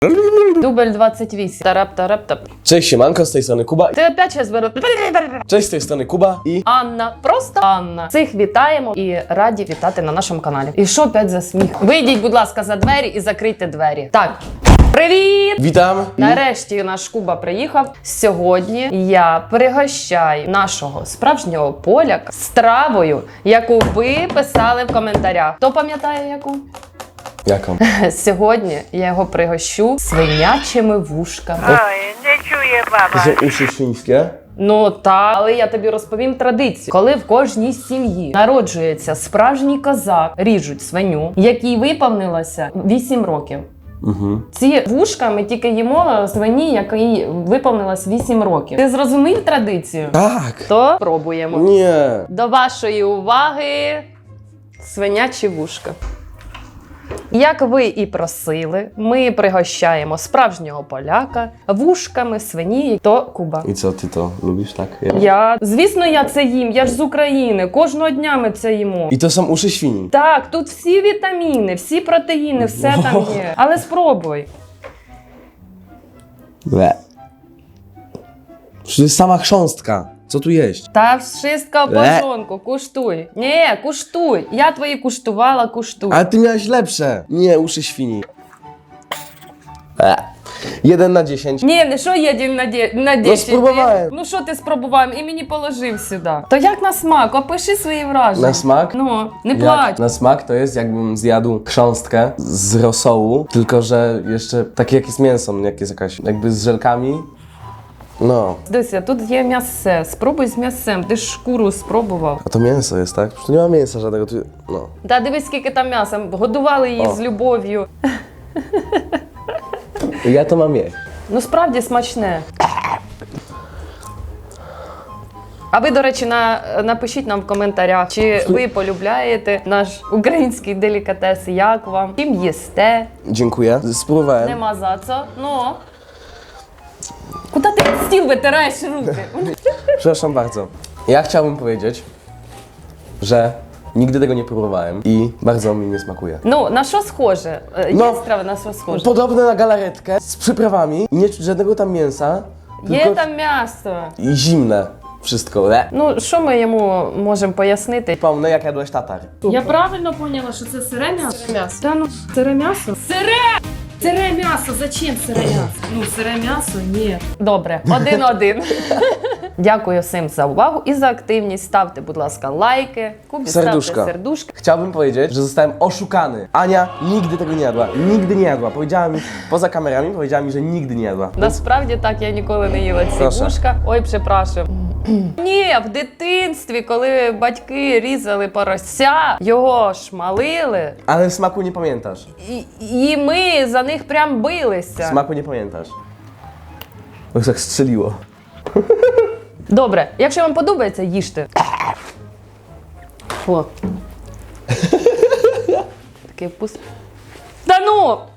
Дубль 28. Тарап-тарап-тап. Cześć, siemanko, z tej strony Kuba. Ти опять зараз беру. Cześć, z tej strony Kuba i... Анна, просто Анна. Всіх вітаємо і раді вітати на нашому каналі. І що опять за сміх? Вийдіть, будь ласка, за двері і закрийте двері. Так. Привіт! Witam. Нарешті наш Куба приїхав. Сьогодні я пригощаю нашого справжнього поляка стравою, яку ви писали в коментарях. Хто пам'ятає яку? Jaką? Сьогодні я його пригощу свинячими вушками. Ой, не чує баба. Że uszy świńskie? Ну так, але я тобі розповім традицію. Коли в кожній сім'ї народжується справжній козак, ріжуть свиню, якій виповнилося 8 років. Mhm. Ці вушка ми тільки їмо свині, якій виповнилось 8 років. Ти зрозумів традицію? Tak. То пробуємо. Nie. До вашої уваги свинячі вушка. Як ви і просили, ми пригощаємо справжнього поляка вушками свині, то Куба. I co, ty to lubisz, tak? Звісно, я це їм, я ж з України, кожного дня ми це їмо. I to są uszy świni. Так, тут всі вітаміни, всі протеїни, все там є. Але спробуй. Ble. Przecież to jest sama chrząstka. Co tu jeść? Та wszystko в порządku, куштуй. Ні, куштуй. Я твої куштувала, куштуй. Ale ty miałeś lepsze. Nie, uszy świni. 1 na 10. Ні, не що є на 10. Ну, спробуваю. Ну що ти спробував і мені положив сюди. То як на смак? Опиши свої враження. Na smak? Ну, не плач. Na smak to jest jakbym zjadł chrząstkę z rosołu, tylko że jeszcze takie jak jest mięso, jak jest jakaś jakby z żelkami. No. Дивися, тут є м'ясо. Спробуй з м'ясом. Ти ж шкуру спробував. A to mięso jest, tak? Przecież tu nie ma mięsa żadnego, tu... No. Та дивись, скільки там м'яса. Годували її О. з любов'ю. Ja to mam jeść. Ну, справді смачне. А ви, до речі, напишіть нам в коментарях, чи ви полюбляєте наш український делікатес, як вам, чим їсте, Dziękuję. Spróbowałem. нема за це, ну. Куди ти стіл витираєш руки? Przepraszam bardzo. Ja chciałbym powiedzieć, że nigdy tego nie próbowałem i bardzo mi nie smakuje. Ну, на що схоже? Є Ну, страви, на що схоже? Podobne na galaretkę z przyprawami i nie czuć żadnego tam mięsa, Є tylko там м'ясо. i zimne wszystko. Ну, що ми йому можемо пояснити? Pomnę jak jadłeś tatar. Я правильно поняла, що це сире м'ясо? Сире м'ясо. Та ну, сире м'ясо? Сире! Сире м'ясо! Зачем сире м'ясо? Ну, сире м'ясо? Ні. Добре, 1-1. Дякую всім за увагу і за активність. Ставте, будь ласка, лайки, Кубі Serduszka. ставте сердушки. Chciałbym powiedzieć, że zostałem oszukany. Ania nigdy tego nie jadła. Nigdy nie jadła. Powiedziała mi, poza kamerami powiedziała mi, że nigdy nie jadła. Насправді так, я ніколи не їла ці Прошу. вушка. Ой, припрошую. Ні, в дитинстві, коли батьки різали порося, його шмалили, Ale smaku nie pamiętasz. і ми за них прям билися. Smaku nie pamiętasz. Bo już tak strzeliło. Добре, якщо вам подобається, їжте. Фу. Такий вкус. Та ну!